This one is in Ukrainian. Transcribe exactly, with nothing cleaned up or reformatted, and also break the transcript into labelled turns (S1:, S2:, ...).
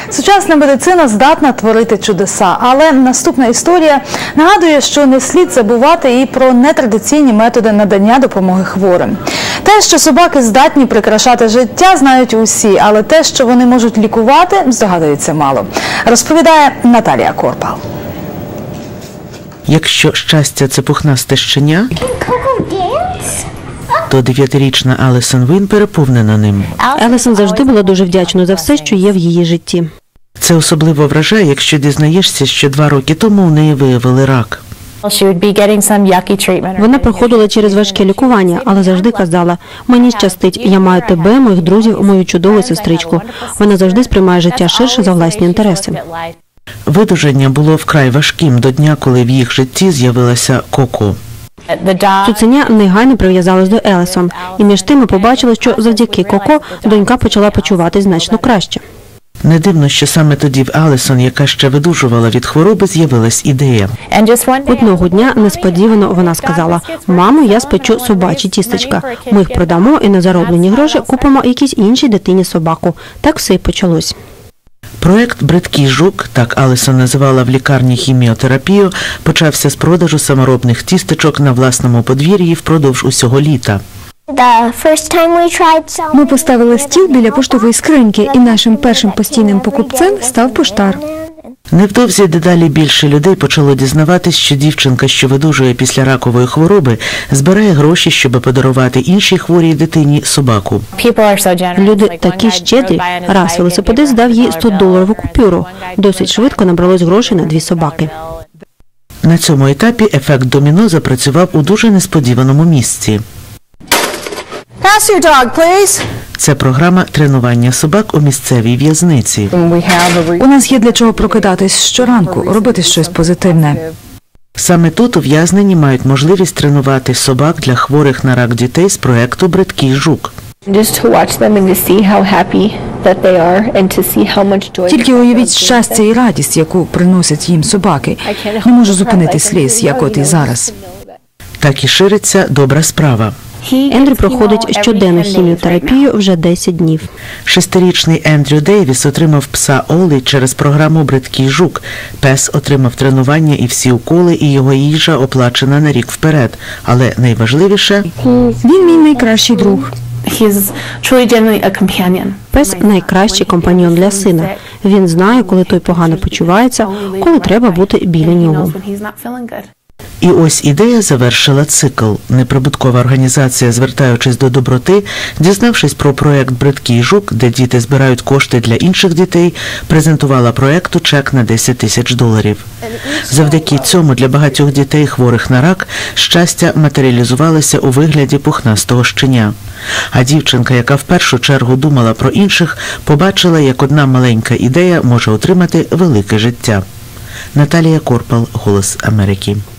S1: Сучасна медицина здатна творити чудеса, але наступна історія нагадує, що не слід забувати і про нетрадиційні методи надання допомоги хворим. Те, що собаки здатні прикрашати життя, знають усі, але те, що вони можуть лікувати, здогадується мало. Розповідає Наталія Корпал.
S2: Якщо щастя – це пухнасте щеня, то дев'ятирічна Алісон Він переповнена ним.
S3: Елісон завжди була дуже вдячною за все, що є в її житті.
S2: Це особливо вражає, якщо дізнаєшся, що два роки тому у неї виявили рак.
S3: Вона проходила через важке лікування, але завжди казала: «Мені щастить, я маю тебе, моїх друзів, мою чудову сестричку». Вона завжди сприймає життя ширше за власні інтереси.
S2: Видужання було вкрай важким до дня, коли в їх житті з'явилася Коко.
S3: Цуценя негайно прив'язалась до Елісон, і між тим ми побачили, що завдяки Коко донька почала почуватись значно краще.
S2: Не дивно, що саме тоді в Алісон, яка ще видужувала від хвороби, з'явилась ідея.
S3: Одного дня несподівано вона сказала: «Мамо, я спечу собачі тістечка. Ми їх продамо і на зароблені гроші купимо якійсь іншій дитині собаку». Так все й почалось.
S2: Проект «Бридкий жук», так Алісон називала в лікарні хіміотерапію, почався з продажу саморобних тістечок на власному подвір'ї впродовж усього літа.
S4: Ми поставили стіл біля поштової скриньки, і нашим першим постійним покупцем став поштар.
S2: Невдовзі дедалі більше людей почало дізнаватись, що дівчинка, що видужує після ракової хвороби, збирає гроші, щоб подарувати іншій хворій дитині собаку.
S3: Люди такі щедрі. Раз велосипедист дав їй сто-доларову купюру. Досить швидко набралось грошей на дві собаки.
S2: На цьому етапі ефект доміно запрацював у дуже несподіваному місці.
S5: Pass your dog, please.
S2: Це програма тренування собак у місцевій в'язниці.
S1: У нас є для чого прокидатись щоранку, робити щось позитивне.
S2: Саме тут ув'язнені мають можливість тренувати собак для хворих на рак дітей з проекту «Бридкий жук».
S1: Тільки уявіть щастя і радість, яку приносять їм собаки. Не можу зупинити сліз, як от і зараз.
S2: Так і шириться добра справа.
S3: Ендрю проходить щоденну хіміотерапію вже десять днів.
S2: Шестирічний Ендрю Дейвіс отримав пса Олі через програму «Бридкий жук». Пес отримав тренування і всі уколи, і його їжа оплачена на рік вперед. Але найважливіше –
S4: Він мій найкращий друг.
S3: Пес – найкращий компаньйон для сина. Він знає, коли той погано почувається, коли треба бути біля нього.
S2: І ось ідея завершила цикл. Неприбуткова організація, звертаючись до доброти, дізнавшись про проект «Бридкий жук», де діти збирають кошти для інших дітей, презентувала проекту чек на десять тисяч доларів. Завдяки цьому для багатьох дітей, хворих на рак, щастя матеріалізувалося у вигляді пухнастого щеня. А дівчинка, яка в першу чергу думала про інших, побачила, як одна маленька ідея може отримати велике життя. Наталія Корпал, «Голос Америки».